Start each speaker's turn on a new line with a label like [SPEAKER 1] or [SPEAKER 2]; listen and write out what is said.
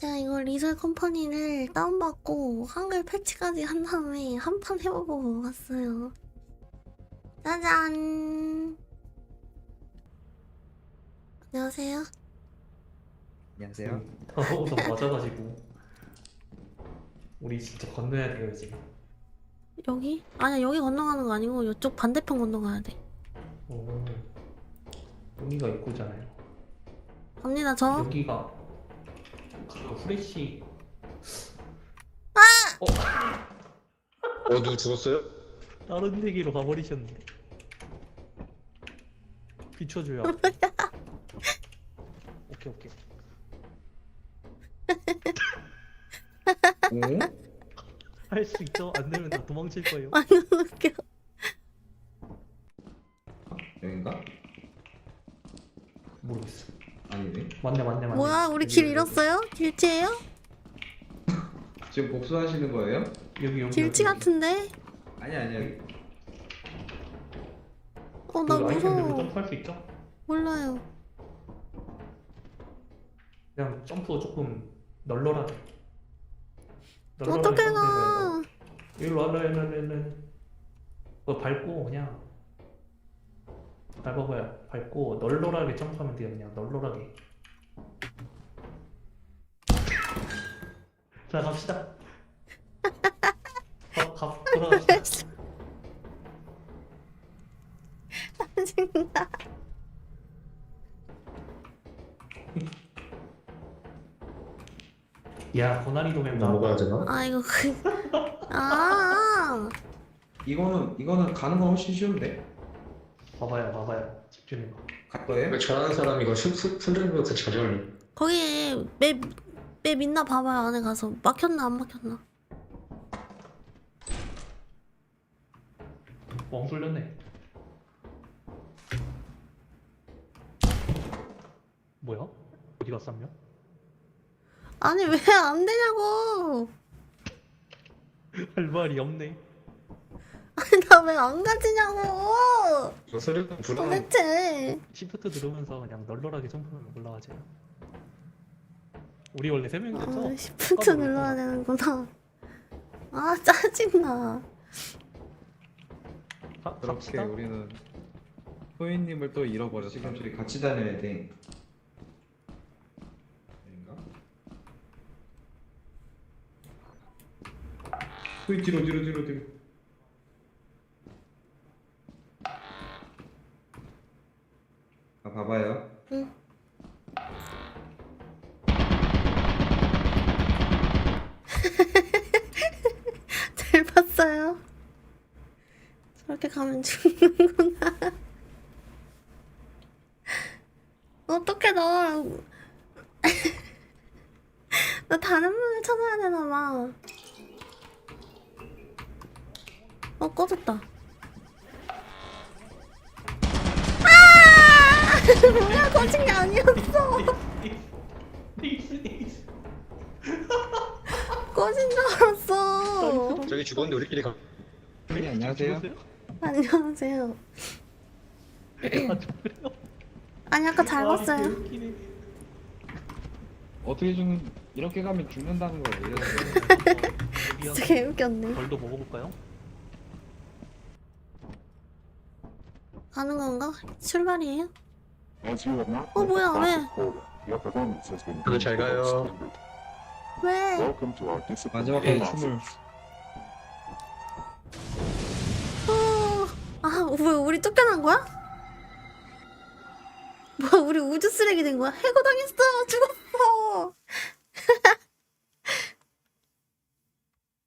[SPEAKER 1] 제가 이거 리설 컴퍼니를 다운받고 한글 패치까지 한 다음에 한 판 해보고 왔어요. 짜잔. 안녕하세요.
[SPEAKER 2] 안녕하세요.
[SPEAKER 3] 우선 맞아가지고 우리 진짜 건너야 돼요 이제.
[SPEAKER 1] 여기? 아니야, 여기 건너가는 거 아니고 이쪽 반대편 건너가야 돼.
[SPEAKER 3] 오, 여기가 입구잖아요.
[SPEAKER 1] 갑니다. 저
[SPEAKER 3] 여기가 그 후레쉬.
[SPEAKER 2] 누구 죽었어요?
[SPEAKER 3] 다른 데기로 가버리셨는데. 비춰줘요. 오케이 오케이.
[SPEAKER 2] 오?
[SPEAKER 3] 할 수 있죠? 안 되면 나 도망칠 거예요.
[SPEAKER 1] 완전 웃겨.
[SPEAKER 2] 여긴가?
[SPEAKER 3] 모르겠어.
[SPEAKER 2] 아니네.
[SPEAKER 3] 맞네 맞네 맞네.
[SPEAKER 1] 뭐야, 우리 길 잃었어요? 길치예요?
[SPEAKER 2] 지금 복수하시는 거예요?
[SPEAKER 3] 여기
[SPEAKER 1] 길치 같은데?
[SPEAKER 2] 아니.
[SPEAKER 1] 나
[SPEAKER 3] 그 아이템들로
[SPEAKER 1] 무서워.
[SPEAKER 3] 점프할 수 있죠?
[SPEAKER 1] 몰라요.
[SPEAKER 3] 그냥 점프 조금 널널하게.
[SPEAKER 1] 어떻게 가?
[SPEAKER 3] 일로 와라. 그거 밟고 그냥 밟아봐요. 밟고 널널하게 점프하면 돼요. 그냥 널널하게. 자 갑시다. 돌아갑시다.
[SPEAKER 1] 짜증나.
[SPEAKER 3] 야 고난이 도면
[SPEAKER 2] 넘어가야 되나?
[SPEAKER 1] 아, 이거 아,
[SPEAKER 2] 이거는 가는 건 훨씬 쉬운데?
[SPEAKER 3] 봐봐요. 집중해봐.
[SPEAKER 2] 갈 거예요?
[SPEAKER 4] 이거 잘하는 사람이 이거 손전등부터 자전을
[SPEAKER 1] 거기에 맵 있나 봐봐요. 안에 가서 막혔나 안 막혔나.
[SPEAKER 3] 멍 쏠렸네. 뭐야? 어디 갔어 한 명?
[SPEAKER 1] 아니, 왜 안 되냐고.
[SPEAKER 3] 할 말이 없네.
[SPEAKER 1] 아니, 나 왜 안 가지냐고.
[SPEAKER 4] 이거 소리가 불안.
[SPEAKER 1] 도대체.
[SPEAKER 3] 시프트 누르면서 그냥 널널하게 점프하면 올라가지. 우리 원래 3명이었죠?
[SPEAKER 1] 시프트 눌러야 되는구나. 아, 짜증나.
[SPEAKER 2] 그렇게
[SPEAKER 3] 갑시다.
[SPEAKER 2] 우리는 소희님을 또 잃어버렸어. 지금 둘이 같이 다녀야 돼. 여긴가? 소희 뒤로. 봐봐요.
[SPEAKER 1] 응. 잘 봤어요. 저렇게 가면 죽는구나. 어떡해, 나 다른 문을 찾아야 되나 봐. 꺼졌다. 뭐야, 거진 게 아니었어. 꺼진 줄 알았어.
[SPEAKER 4] 저기 죽었는데 우리끼리 가.
[SPEAKER 2] 네, 안녕하세요.
[SPEAKER 1] 안녕하세요.
[SPEAKER 3] 그래요?
[SPEAKER 1] 아니, 아까 잘 봤어요.
[SPEAKER 3] 웃기네.
[SPEAKER 2] 어떻게 이렇게 가면 죽는다는 거예요.
[SPEAKER 1] 진짜 개웃겼네.
[SPEAKER 3] 벌도 먹어볼까요?
[SPEAKER 1] 가는 건가? 출발이에요?
[SPEAKER 5] 뭐야, 왜?
[SPEAKER 4] 다들 잘 가요.
[SPEAKER 1] 왜?
[SPEAKER 2] 마지막에 춤을
[SPEAKER 1] 뭐야, 우리 쫓겨난 거야? 뭐야, 우리 우주 쓰레기 된 거야? 해고당했어!